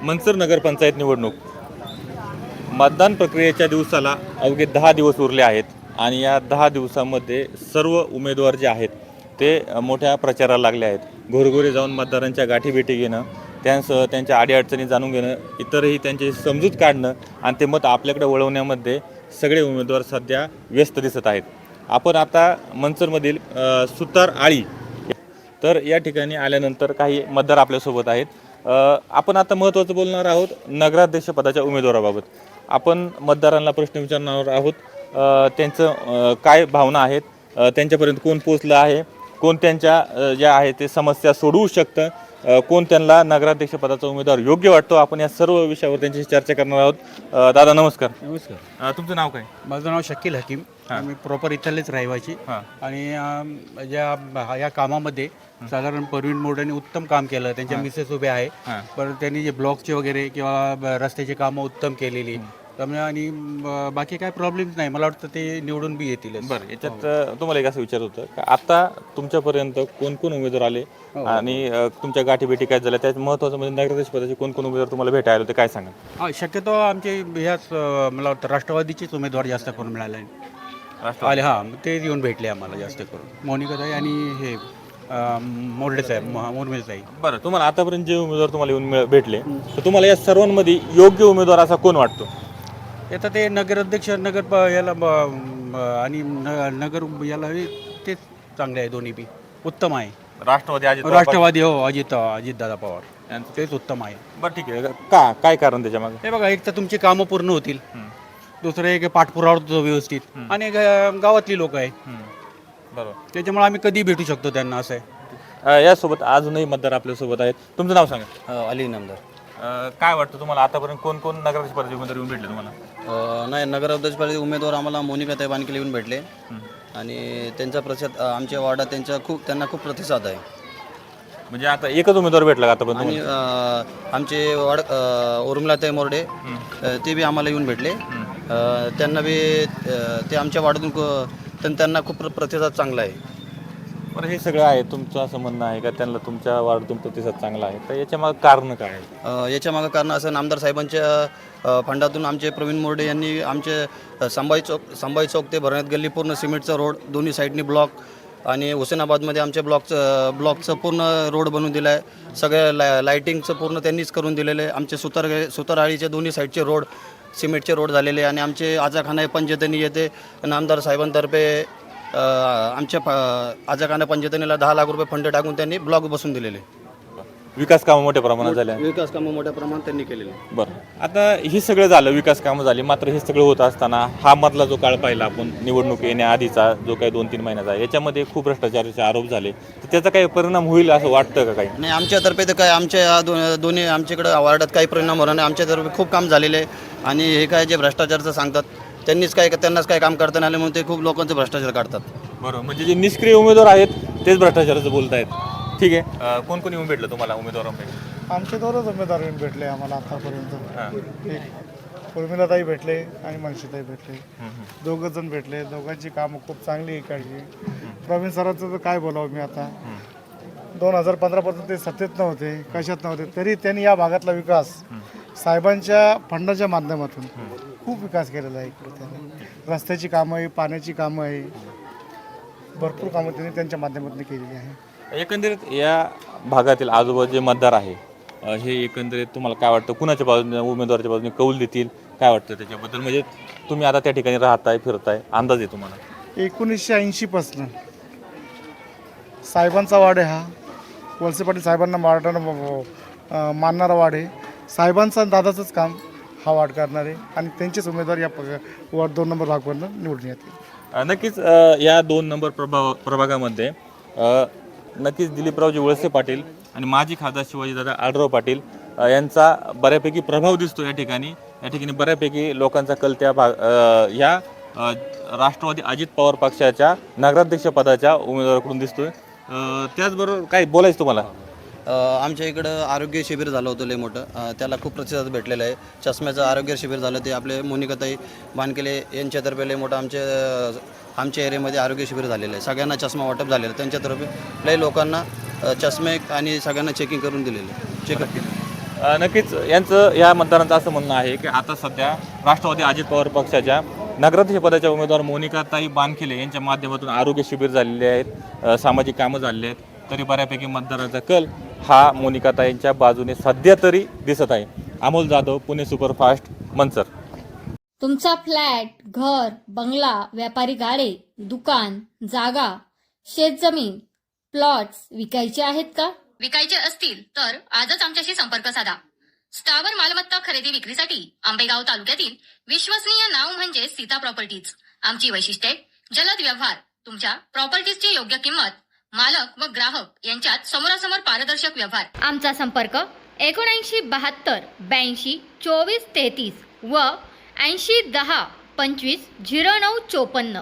मंचर नगरपंचायत निवडणूक मतदान प्रक्रियेच्या दिवसाला अवघे 10 दिवस उरले आहेत आणि या 10 दिवसांमध्ये सर्व उमेदवार जे आहेत ते मोठ्या प्रचाराला लागले आहेत। घरोघरी जाऊन मतदारांच्या गाठीभेटी घेणं, त्यांसह त्यांच्या अडीअडचणी जाणून घेणं, इतरही त्यांची समजूत काढणं आणि ते मत आपल्याकडे वळवण्यामध्ये सगळे उमेदवार सध्या व्यस्त दिसत आहेत। आपण आता मंचरमधील सुतार आळी तर या ठिकाणी आल्यानंतर काही मतदार आपल्यासोबत आहेत। आपण आता महत्त्वाचं बोलणार आहोत नगराध्यक्ष पदाच्या उमेदवाराबाबत। आपण मतदारांना प्रश्न विचारणार आहोत, त्यांचं काय भावना आहेत, त्यांच्यापर्यंत कोण पोहोचलं आहे, कोण त्यांच्या ज्या आहेत ते समस्या सोडवू शकतं, कोण त्यांना नगराध्यक्ष पदाचा उमेदवार योग्य वाटतो। आपण या सर्व विषयावर त्यांच्याशी चर्चा करणार आहोत। दादा नमस्कार। नमस्कार। तुमचं नाव काय? माझं नाव शकील हकीम। आम्ही प्रॉपर इथलेच रहिवासी आणि या कामामध्ये साधारण परवीन मोड्यांनी उत्तम काम केलं। त्यांच्या मिसेस उभे आहे, पण त्यांनी जे ब्लॉकचे वगैरे किंवा रस्त्याची कामं उत्तम केलेली त्यामुळे आणि बाकी काय प्रॉब्लेम्स नाही। मला वाटतं ते निवडून बी येतील। बरं, याच्यात तुम्हाला एक असं विचारत होतं का आता तुमच्यापर्यंत कोण कोण उमेदवार आले आणि तुमच्या गाठीभेटी काय झाल्या, त्यात महत्त्वाचं म्हणजे नगराध्यक्ष पदाचे कोण कोण उमेदवार तुम्हाला भेटायला आले होते, काय सांगा? शक्यतो आमचे ह्याच मला वाटतं राष्ट्रवादीचेच उमेदवार जास्त करून मिळाले आले। ते येऊन भेटले आम्हाला जास्त करून, मोनिकाताई आणि हे मोर्डे साहेब, मुरमे साहेब। बरं, तुम्हाला आतापर्यंत जे उमेदवार तुम्हाला येऊन भेटले तर तुम्हाला या सर्वांमध्ये योग्य उमेदवार असा कोण वाटतो? आता ते नगराध्यक्ष याला आणि नगर याला ते चांगले आहे, दोन्ही बी उत्तम आहे। राष्ट्रवादी हो, अजितदादा पवार तेच उत्तम आहे। बरं, ठीक आहे। काय कारण त्याच्यामागे? हे बघा, एक तर तुमची कामं पूर्ण होतील, दुसरं एक पाठपुरावा होतो व्यवस्थित, आणि गावातली लोक आहे, बरोबर, त्याच्यामुळे आम्ही कधी भेटू शकतो त्यांना, असं आहे। यासोबत अजूनही मतदार आपल्यासोबत आहेत। तुमचं नाव सांगा? अली इनामदार। काय वाटतं तुम्हाला आतापर्यंत कोण कोण नगराध्यक्ष पदाचे उमेदवार येऊन भेटले तुम्हाला? नाही, नगराध्यक्षपदी उमेदवार आम्हाला मोनिकाताई बानकेले येऊन भेटले आणि त्यांचा प्रतिसाद आमच्या वार्डात त्यांना खूप प्रतिसाद आहे। म्हणजे आता एकच उमेदवार भेटला का आतापर्यंत? आणि आमचे उर्मिलाताई मोर्डे ते बी आम्हाला येऊन भेटले, त्यांना बी ते आमच्या वार्डातून त्यांना खूप प्रतिसाद चांगला आहे। बरं, हे सगळं आहे तुमचं असं म्हणणं आहे का त्यांना तुमच्या वार्डातून प्रतिसाद चांगला आहे, तर याच्यामागं कारण काय आहे? याच्या मागं कारण असं, नामदार साहेबांच्या फंडातून आमचे प्रवीण मोर्डे यांनी आमचे संभाजी चौक ते भरण्यात गल्ली पूर्ण सिमेंटचा रोड, दोन्ही साईडनी ब्लॉक, आणि हुसेनाबादमध्ये आमच्या ब्लॉकचं पूर्ण रोड बनवून दिला आहे। सगळ्या लाईटिंगचं पूर्ण त्यांनीच करून दिलेलं आहे। आमचे सुतारआळीचे दोन्ही साईडचे रोड सिमेंटचे रोड झालेले, आणि आमचे आजाखाना पंचायतनी येते नामदार साहेबांतर्फे आमच्या आजाखाना पंचायतनीला 10 लाख रुपये फंड टाकून त्यांनी ब्लॉक बसून दिलेले। विकास कामं मोठ्या प्रमाणात झाल्या, विकास कामं मोठ्या प्रमाणात त्यांनी केलेले। बरं, आता हे सगळं झालं, विकास कामं झाली, मात्र हे सगळं होत असताना हा मधला जो काळ पाहिला आपण निवडणूक येण्याआधीचा जो काही 2-3 महिन्याचा, याच्यामध्ये खूप भ्रष्टाचाराचे आरोप झाले, तर त्याचा काही परिणाम होईल असं वाटतं का काही? नाही, आमच्यातर्फे तर काय आमच्या दोन्ही आमच्याकडं वार्डात काही परिणाम होणार नाही। आमच्यातर्फे खूप काम झालेले आहे, आणि हे काय जे भ्रष्टाचारचं सांगतात त्यांनाच काय काम करता नाही आलं म्हणून ते खूप लोकांचं भ्रष्टाचार काढतात। बरोबर, म्हणजे जे निष्क्रिय उमेदवार आहेत तेच भ्रष्टाचाराचं बोलत आहेत। ठीक आहे, कोण कोण येऊन भेटलं तुम्हाला उमेदवारांपैकी? आमचे 2च उमेदवार येऊन भेटले आम्हाला आतापर्यंत। एक उर्मिलाताई भेटले आणि मनशीताई भेटले, दोघं जण भेटले। दोघांची कामं खूप चांगली इकडची। प्रवीण सरांचं तर काय बोलावं मी आता, 2015 ते सत्तेत नव्हते, कशात नव्हते, तरी त्यांनी या भागातला विकास साहेबांच्या फंडाच्या माध्यमातून खूप विकास केलेला आहे। इकडे त्यांनी रस्त्याची कामं आहे, पाण्याची कामं आहे, भरपूर कामं त्यांनी त्यांच्या माध्यमातून केलेली आहे। एकंदरीत या भागातील आजूबाजूचे मतदार आहे, हे एकंदरीत तुम्हाला काय वाटतं, कुणाच्या बाजूने उमेदवाराच्या बाजूने कौल देतील, काय वाटतं त्याच्याबद्दल? म्हणजे तुम्ही आता त्या ठिकाणी राहताय, फिरताय, अंदाज आहे तुम्हाला? 1980 पासून साहेबांचा वाड आहे हा, वळसे पाटील साहेबांना मानणारा वाड आहे। साहेबांचा दादाचंच काम हा वार्ड करणार आहे, आणि त्यांचेच उमेदवार या वार्ड 2 नंबर भागावरून निवडून येतील। नक्कीच या 2 नंबर प्रभागामध्ये नक्कीच दिलीपरावजी वळसे पाटील आणि माजी खासदार शिवाजीदादा आढळराव पाटील यांचा बऱ्यापैकी प्रभाव दिसतो या ठिकाणी बऱ्यापैकी लोकांचा कल त्या ह्या राष्ट्रवादी अजित पवार पक्षाच्या नगराध्यक्ष पदाच्या उमेदवाराकडून दिसतोय। त्याचबरोबर काय बोलायचं तुम्हाला? आमच्या इकडं आरोग्य शिबिर झालं होतं लय मोठं, त्याला खूप प्रतिसाद भेटलेला आहे। चष्म्याचं आरोग्य शिबिर झालं, ते आपले मोनिकाताई बानकेले यांच्यातर्फे लय मोठं आमच्या एरियामध्ये आरोग्य शिबिर झालेलं आहे। सगळ्यांना चष्मा वाटप झालेलं आहे, त्यांच्यातर्फे लय लोकांना चष्मे आणि सगळ्यांना चेकिंग करून दिलेलं आहे, चेकअप केलं। नक्कीच यांचं या मतदारांचं असं म्हणणं आहे की आता सध्या राष्ट्रवादी अजित पवार पक्षाच्या नगराध्यक्ष पदाच्या उमेदवार मोनिकाताई बानखिले यांच्या माध्यमातून आरोग्य शिबिर झालेले आहेत, सामाजिक कामं झालेली आहेत, तरी बऱ्यापैकी मतदारांचा कल हा मोनिकाताईंच्या बाजूने सध्या तरी दिसत आहे. अमोल जाधव, पुणे सुपरफास्ट, मंचर. तुमचा फ्लॅट, घर, बंगला, व्यापारी गाडे, दुकान, जागा, शेतजमीन, प्लॉट्स विकायचे आहेत का? विकायचे असतील तर आजच आमच्याशी संपर्क साधा. स्थावर मालमत्ता खरेदी विक्रीसाठी आंबेगाव तालुक्यातील विश्वसनीय नाव म्हणजे सीता प्रॉपर्टीज. आमची वैशिष्ट्ये: जलद व्यवहार, तुमच्या प्रॉपर्टीजची योग्य किंमत, मालक व ग्राहक यांच्यात समोरासमोर पारदर्शक व्यवहार. आमचा संपर्क 7972 82 24 33 व 80 10 25 09 54.